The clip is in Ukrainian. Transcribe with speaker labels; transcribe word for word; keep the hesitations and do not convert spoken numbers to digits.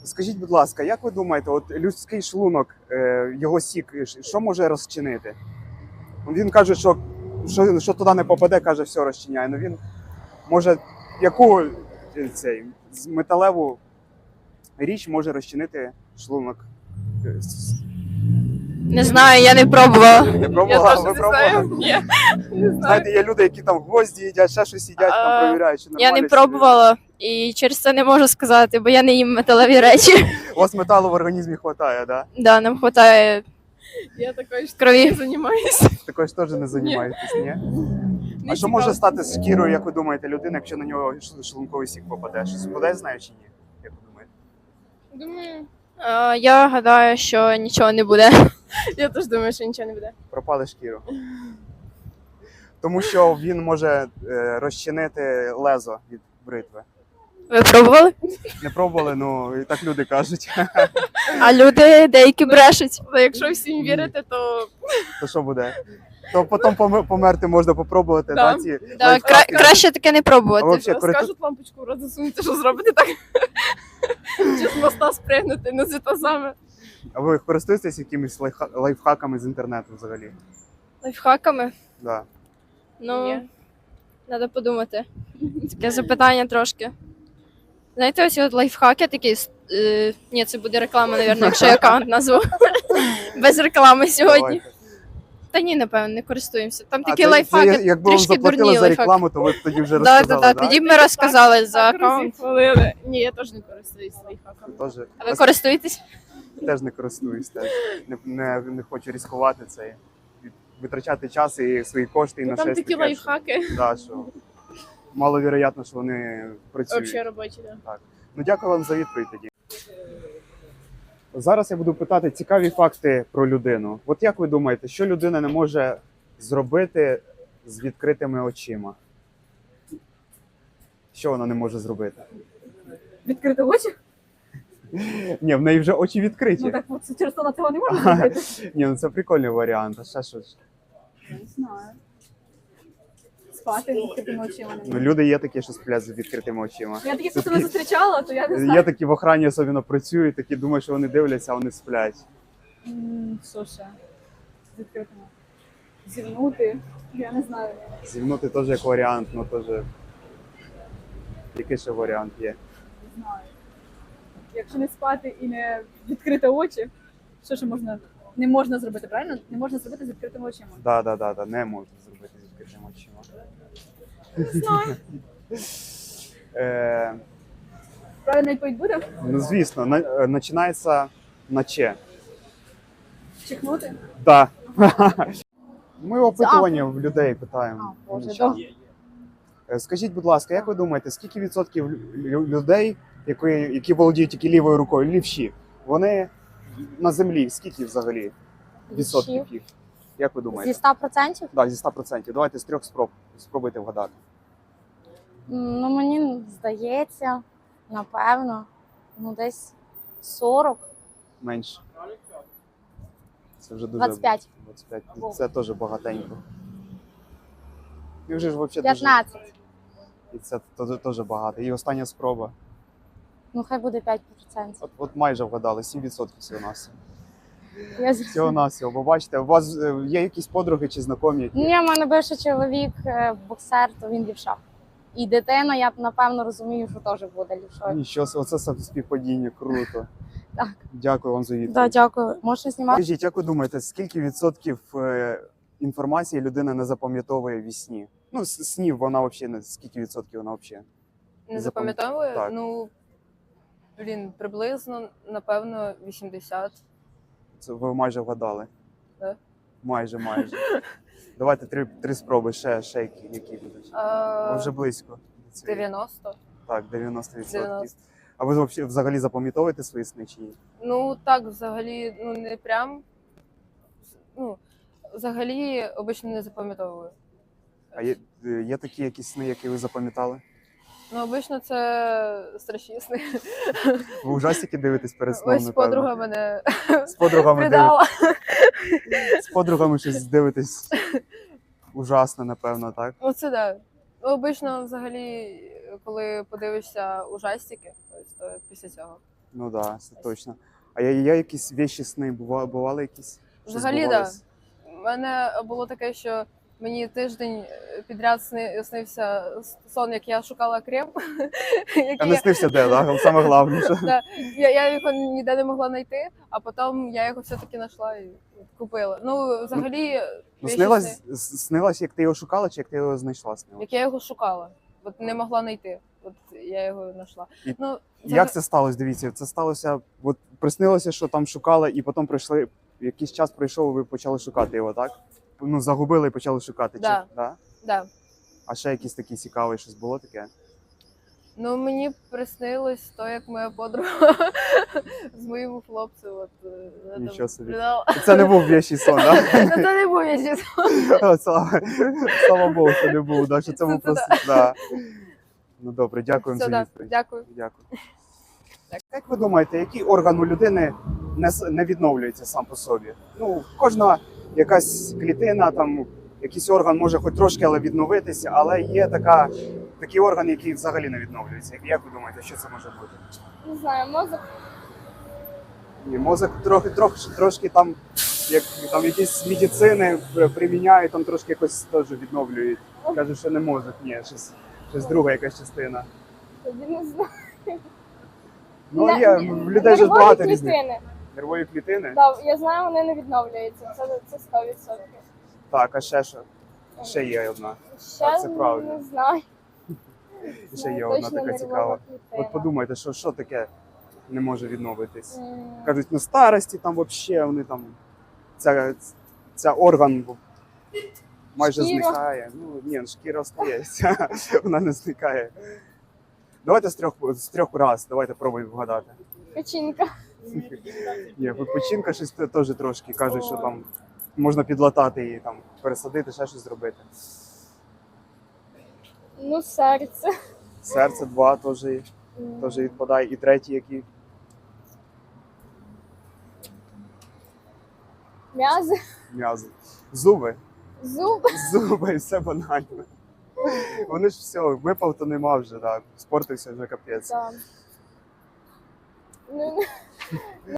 Speaker 1: Скажіть, будь ласка, як ви думаєте, от людський шлунок, е, його сік, що може розчинити? Він каже, що, що, що туди не попаде, каже, все розчиняє. Ну він може яку е, цей, металеву річ може розчинити шлунок?
Speaker 2: Не знаю, я не пробувала.
Speaker 1: Не пробувала? Ви пробували?
Speaker 2: Ні, не знаю.
Speaker 1: Знаєте, є люди, які там гвозді їдять, ще щось їдять, там
Speaker 2: А,
Speaker 1: перевіряють, чи
Speaker 2: Я
Speaker 1: нормально.
Speaker 2: не пробувала і через це не можу сказати, бо я не їм металеві речі.
Speaker 1: У вас металу в організмі вистачає, да?
Speaker 2: Да, нам вистачає
Speaker 3: Я такою ж
Speaker 2: крові.
Speaker 3: не займаюся.
Speaker 1: Також теж не займаєтесь, ні?
Speaker 3: Не
Speaker 1: А що може
Speaker 3: цікаво.
Speaker 1: стати з шкірою, як ви думаєте, людина, якщо на нього ш- шлунковий сік попаде? Щось буде, знає чи ні? Як ви думаєте?
Speaker 3: Думаю,
Speaker 2: Е, Я гадаю, що нічого не буде.
Speaker 3: я теж думаю, що нічого не буде.
Speaker 1: Пропали шкіру. Тому що він може е, розчинити лезо від бритви.
Speaker 2: Ви пробували?
Speaker 1: Не пробували, ну і так люди кажуть.
Speaker 2: А люди деякі брешуть.
Speaker 3: Але якщо всім вірити, то
Speaker 1: То що буде? То потім помер- померти можна попробувати,
Speaker 3: Да.
Speaker 1: да, ці
Speaker 2: Да,
Speaker 1: лайфхаки.
Speaker 2: кра- краще таке не
Speaker 1: А
Speaker 2: пробувати.
Speaker 1: вообще, користу-
Speaker 3: скажуть лампочку в рот засунути, що зробити так. Чи з моста спригнути, не з саме.
Speaker 1: А ви користуєтесь якимись лайфха- лайфхаками з інтернету взагалі?
Speaker 2: Лайфхаками?
Speaker 1: Да.
Speaker 2: Ну,
Speaker 3: Ні.
Speaker 2: треба подумати. Таке запитання трошки. Знаєте, ось от лайфхаки такі. Е, ні, це буде реклама, мабуть, якщо я аккаунт назву. Без реклами сьогодні.
Speaker 1: Давайте.
Speaker 2: Та ні, напевно, не користуємося. Там
Speaker 1: А
Speaker 2: такі
Speaker 1: це-
Speaker 2: лайфхаки,
Speaker 1: це, якби вам
Speaker 2: трішки
Speaker 1: заплатили
Speaker 2: дурні
Speaker 1: за
Speaker 2: лайфхаки.
Speaker 1: рекламу, то ви б тоді вже
Speaker 2: Да, да,
Speaker 1: розказали,
Speaker 2: да,
Speaker 1: да?
Speaker 2: тоді б ми розказали за аккаунт.
Speaker 3: Хвалили. Ні, я теж не користуюсь лайфхаками.
Speaker 1: Тоже.
Speaker 2: А ви користуєтесь?
Speaker 1: Теж не користуюсь, теж. Не, не, не хочу ризикувати це. Витрачати час і свої кошти і на
Speaker 3: Ну, там
Speaker 1: щось
Speaker 3: такі
Speaker 1: таке,
Speaker 3: лайфхаки.
Speaker 1: Що, да, що маловероятно, що вони працюють.
Speaker 3: Взагалі робочі, да.
Speaker 1: Ну, дякую вам за відповідь тоді. Зараз я буду питати цікаві факти про людину. От як ви думаєте, що людина не може зробити з відкритими очима? Що вона не може зробити?
Speaker 3: Відкрити очі?
Speaker 1: Ні, в неї вже очі відкриті.
Speaker 3: Ну так от через то на цього не можна зробити.
Speaker 1: Ні, ну це прикольний варіант. А ще щось.
Speaker 3: Не знаю. Спати відкритими очима не
Speaker 1: Ну,
Speaker 3: можна.
Speaker 1: люди є такі, що сплять з відкритими очима.
Speaker 3: Я таких просто не зустрічала, то я не
Speaker 1: Є
Speaker 3: знаю.
Speaker 1: такі в охрані особливо працюють, такі думають, що вони дивляться, а вони сплять.
Speaker 3: М, Що ще? З відкритими. Зівнути. Я не знаю.
Speaker 1: Зівнути теж як варіант, ну теж. Який ще варіант є?
Speaker 3: Не знаю. Якщо не спати і не відкрити очі, що ще можна? Не можна зробити, правильно? Не можна зробити з відкритими очима.
Speaker 1: Да, да, да, да, не можна зробити з відкритими очима.
Speaker 3: Не знаю.
Speaker 1: Е,
Speaker 3: Правильна відповідь буде?
Speaker 1: ну, звісно, на, е, починається на че.
Speaker 3: Чихнути?
Speaker 1: Да. Ми опитування в людей питаємо.
Speaker 3: А, Боже,
Speaker 1: Нічого. Е, Скажіть, будь ласка, як ви думаєте, скільки відсотків лю- людей, які, які володіють тільки лівою рукою, лівші, вони на землі, скільки взагалі відсотків їх? Як ви думаєте?
Speaker 4: Зі ста процентів?
Speaker 1: Так, зі ста процентів. Давайте з трьох спроб спробуйте вгадати.
Speaker 4: Ну, мені здається, напевно, ну десь сорок,
Speaker 1: Менше. Це вже дуже
Speaker 4: двадцять п'ять,
Speaker 1: двадцять п'ять. Це теж багатенько. І вже ж взагалі дуже.
Speaker 4: п'ятнадцять.
Speaker 1: І це теж- теж багато. І остання спроба.
Speaker 4: Ну, хай буде п'ять процентів.
Speaker 1: От, от майже вгадали, сім відсотків всього нас.
Speaker 4: Я...
Speaker 1: Всього навсього. Бо бачите, у вас е, є якісь подруги чи знайомі, які.
Speaker 4: Ні, в мене бивший чоловік, е, боксер, то він лівша. І дитина, я напевно розумію, що теж буде лівшою.
Speaker 1: Нічого, оце співпадіння, круто.
Speaker 4: Так.
Speaker 1: Дякую вам за відповідь.
Speaker 4: Так, дякую. Можна знімати?
Speaker 1: Скажіть, як ви думаєте, скільки відсотків е, інформації людина не запам'ятовує в сні? Ну, с- снів вона взагалі не скільки відсотків вона взагалі?
Speaker 5: Не
Speaker 1: Запам-
Speaker 5: запам'ятовую?
Speaker 1: так.
Speaker 5: Ну, блін, приблизно, напевно, вісімдесят.
Speaker 1: Це ви майже вгадали.
Speaker 5: Да.
Speaker 1: Майже, майже. Давайте три, три спроби, ще, ще які, які будуть. Ви
Speaker 5: А,
Speaker 1: вже близько. до цієї.
Speaker 5: дев'яносто.
Speaker 1: Так, дев'яносто відсотків.
Speaker 5: дев'яносто.
Speaker 1: А ви взагалі- взагалі запам'ятовуєте свої сни чи ні?
Speaker 5: Ну, так, взагалі, ну, не прям. Ну, взагалі, обично не запам'ятовую.
Speaker 1: А є, е, є такі якісь сни, які ви запам'ятали?
Speaker 5: Ну, обично це страшні сни.
Speaker 1: Ви ужастики дивитесь перед сном,
Speaker 5: Ось
Speaker 1: напевно?
Speaker 5: подруга мене
Speaker 1: З подругами, диви...
Speaker 5: придала.
Speaker 1: З подругами щось дивитесь ужасно, напевно, так?
Speaker 5: Ну, це да. Ну, обично, взагалі, коли подивишся ужастики, ось, то після цього.
Speaker 1: Ну так, да, це точно. А є, є якісь вещі сни, бували, бували якісь? Щось
Speaker 5: Взагалі, так.
Speaker 1: збувалось?
Speaker 5: У мене було таке, що мені тиждень підряд сни- снився сон, як я шукала крем.
Speaker 1: А
Speaker 5: який
Speaker 1: не
Speaker 5: я-
Speaker 1: снився де, да? Саме головне, що...
Speaker 5: Да. Я, я його ніде не могла знайти, а потім я його все-таки знайшла і купила. Ну, взагалі,
Speaker 1: Ну,
Speaker 5: вещі
Speaker 1: снилось,
Speaker 5: сни-
Speaker 1: с- снилось, як ти його шукала, чи як ти його знайшла снилось?
Speaker 5: як я його шукала. От не могла знайти. От я його знайшла.
Speaker 1: І
Speaker 5: Ну,
Speaker 1: Як це сталося? Дивіться, це сталося, от приснилося, що там шукали, і потім прийшли, якийсь час пройшов, ви почали шукати його, так? Ну, загубили і почали шукати.
Speaker 5: Да.
Speaker 1: Чи, да?
Speaker 5: Да.
Speaker 1: А ще якісь такі цікаві, щось було таке?
Speaker 5: Ну, мені приснилось то, як моя подруга з моїм хлопцем. От, е, вона
Speaker 1: Нічого
Speaker 5: там
Speaker 1: собі.
Speaker 5: лежала.
Speaker 1: Це не був вещий сон, так?
Speaker 5: Ну, це не був я чесно.
Speaker 1: Слава, слава Богу, що не був, да, що це був
Speaker 5: Це- це
Speaker 1: просто. Да. Ну добре, дякуємо
Speaker 5: Все,
Speaker 1: за
Speaker 5: да.
Speaker 1: відповідь.
Speaker 5: Дякую.
Speaker 1: Дякую. Як ви думаєте, який орган у людини не, с- не відновлюється сам по собі? Ну, кожна якась клітина, там, якийсь орган може хоч трошки але відновитися, але є така, такий орган, який взагалі не відновлюється. Як ви думаєте, що це може бути?
Speaker 4: Не знаю, мозок.
Speaker 1: Ні, мозок трохи, трохи, трошки там, як там якісь медицини приміняють, там трошки якось теж відновлюють. Кажуть, що не мозок, ні, щось, щось друга якась частина.
Speaker 4: Тоді не знаю.
Speaker 1: Ну,
Speaker 4: Не-
Speaker 1: є,
Speaker 4: ні,
Speaker 1: в людей же ж
Speaker 4: нервові
Speaker 1: багато різних.
Speaker 4: клітини.
Speaker 1: Нервові клітини?
Speaker 4: Да, я знаю, вони не відновлюються. Це, це сто відсотків.
Speaker 1: Так, а ще що? Ще є одна.
Speaker 4: Ще
Speaker 1: Так, це правильно.
Speaker 4: не знаю.
Speaker 1: І ще є
Speaker 4: Ну,
Speaker 1: одна
Speaker 4: точно
Speaker 1: така
Speaker 4: нервова
Speaker 1: цікава.
Speaker 4: клітина.
Speaker 1: От подумайте, що, що таке не може відновитись.
Speaker 4: М,
Speaker 1: Кажуть, на старості там взагалі вони там. Ця, ця орган майже
Speaker 4: Шкіра.
Speaker 1: зникає. Ну, ні, шкіра остається, вона не зникає. Давайте з трьох, з трьох раз, давайте пробуємо вгадати.
Speaker 4: Печінка.
Speaker 1: Ні, печінка щось те- теж трошки кажуть, що там можна підлатати її, там, пересадити, ще щось зробити.
Speaker 4: Ну, серце.
Speaker 1: Серце два теж,
Speaker 4: М,
Speaker 1: теж відпадає. І третій, який
Speaker 4: М'язи.
Speaker 1: м'язи. Зуби.
Speaker 4: Зуби.
Speaker 1: Зуби, все банально. Вони ж все, випав, то нема вже, так. Спортився вже капець.
Speaker 4: Да. Ну,